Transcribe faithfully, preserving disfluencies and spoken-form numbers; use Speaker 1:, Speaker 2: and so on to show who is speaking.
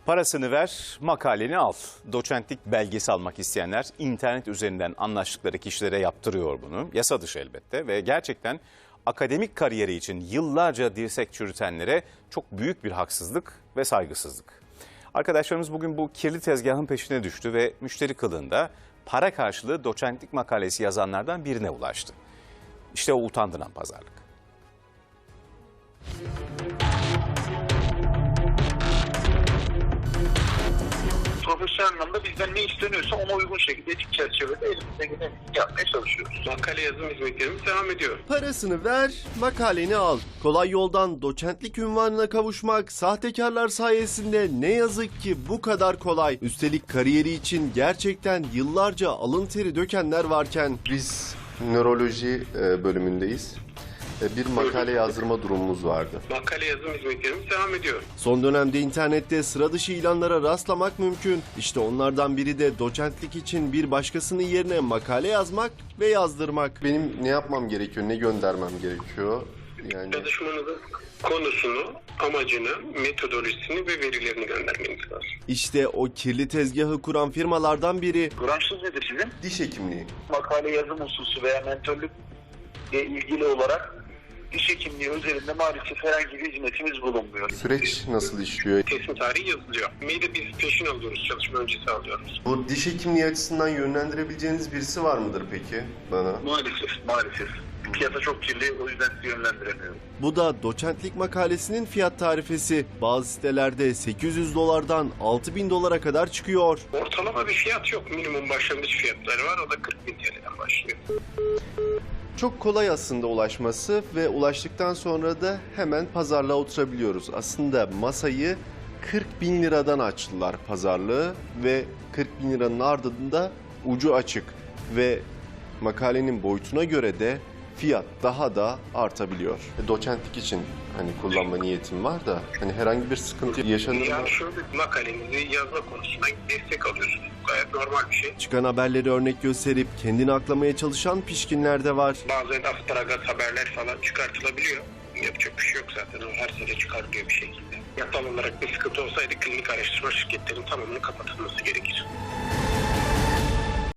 Speaker 1: Parasını ver, makaleni al. Doçentlik belgesi almak isteyenler internet üzerinden anlaştıkları kişilere yaptırıyor bunu. Yasa dışı elbette ve gerçekten akademik kariyeri için yıllarca dirsek çürütenlere çok büyük bir haksızlık ve saygısızlık. Arkadaşlarımız bugün bu kirli tezgahın peşine düştü ve müşteri kılığında para karşılığı doçentlik makalesi yazanlardan birine ulaştı. İşte o utandıran pazarlık.
Speaker 2: Profesyonel anlamda bizden ne isteniyorsa ona uygun şekilde etik çerçevede elimizden gelen yapmaya çalışıyoruz.
Speaker 3: Makale yazım hizmetlerimiz devam ediyor.
Speaker 4: Parasını ver, makaleni al. Kolay yoldan doçentlik unvanına kavuşmak sahtekarlar sayesinde ne yazık ki bu kadar kolay. Üstelik kariyeri için gerçekten yıllarca alın teri dökenler varken.
Speaker 5: Biz nöroloji bölümündeyiz. Bir makale yazdırma durumumuz vardı.
Speaker 3: Makale yazım hizmetlerimiz devam ediyor.
Speaker 4: Son dönemde internette sıra dışı ilanlara rastlamak mümkün. İşte onlardan biri de doçentlik için bir başkasının yerine makale yazmak ve yazdırmak.
Speaker 5: Benim ne yapmam gerekiyor, ne göndermem gerekiyor? Yani
Speaker 3: Çalışmanızın konusunu, amacını, metodolojisini ve verilerini göndermeniz lazım.
Speaker 4: İşte o kirli tezgahı kuran firmalardan biri.
Speaker 2: Branşınız nedir sizin?
Speaker 5: diş hekimliği.
Speaker 2: Makale yazım hususu veya mentörlükle ilgili olarak diş hekimliği üzerinde maalesef herhangi bir hizmetimiz bulunmuyor.
Speaker 5: Süreç nasıl işliyor?
Speaker 3: Teslim tarihi yazılıyor. Mailde biz peşin alıyoruz, çalışma öncesi alıyoruz.
Speaker 5: Bu diş hekimliği açısından yönlendirebileceğiniz birisi var mıdır peki bana?
Speaker 2: Maalesef, maalesef. Piyasa çok kirli, o yüzden sizi yönlendiremiyorum.
Speaker 4: Bu da doçentlik makalesinin fiyat tarifesi. Bazı sitelerde sekiz yüz dolardan altı bin dolara kadar çıkıyor.
Speaker 3: Ortalama bir fiyat yok. Minimum başlangıç fiyatları var. O da kırk bin T L'den başlıyor.
Speaker 5: Çok kolay aslında ulaşması ve ulaştıktan sonra da hemen pazarlığa oturabiliyoruz. Aslında masayı kırk bin liradan açtılar pazarlığı ve kırk bin liranın ardında ucu açık ve makalenin boyutuna göre de fiyat daha da artabiliyor. Doçentlik için hani kullanma niyetim var da hani herhangi bir sıkıntı yaşanır mı?
Speaker 3: Yani şu makalenizi yazma konusunda destek alıyorsunuz. Gayet normal bir şey.
Speaker 4: Çıkan haberleri örnek gösterip kendini aklamaya çalışan pişkinler de var.
Speaker 3: Bazen asparagat haberler falan çıkartılabiliyor. Yapacak bir şey yok zaten. O her sene çıkarılıyor bir şekilde. Yasal olarak bir sıkıntı olsaydı klinik araştırma şirketlerinin tamamının kapatılması gerekir.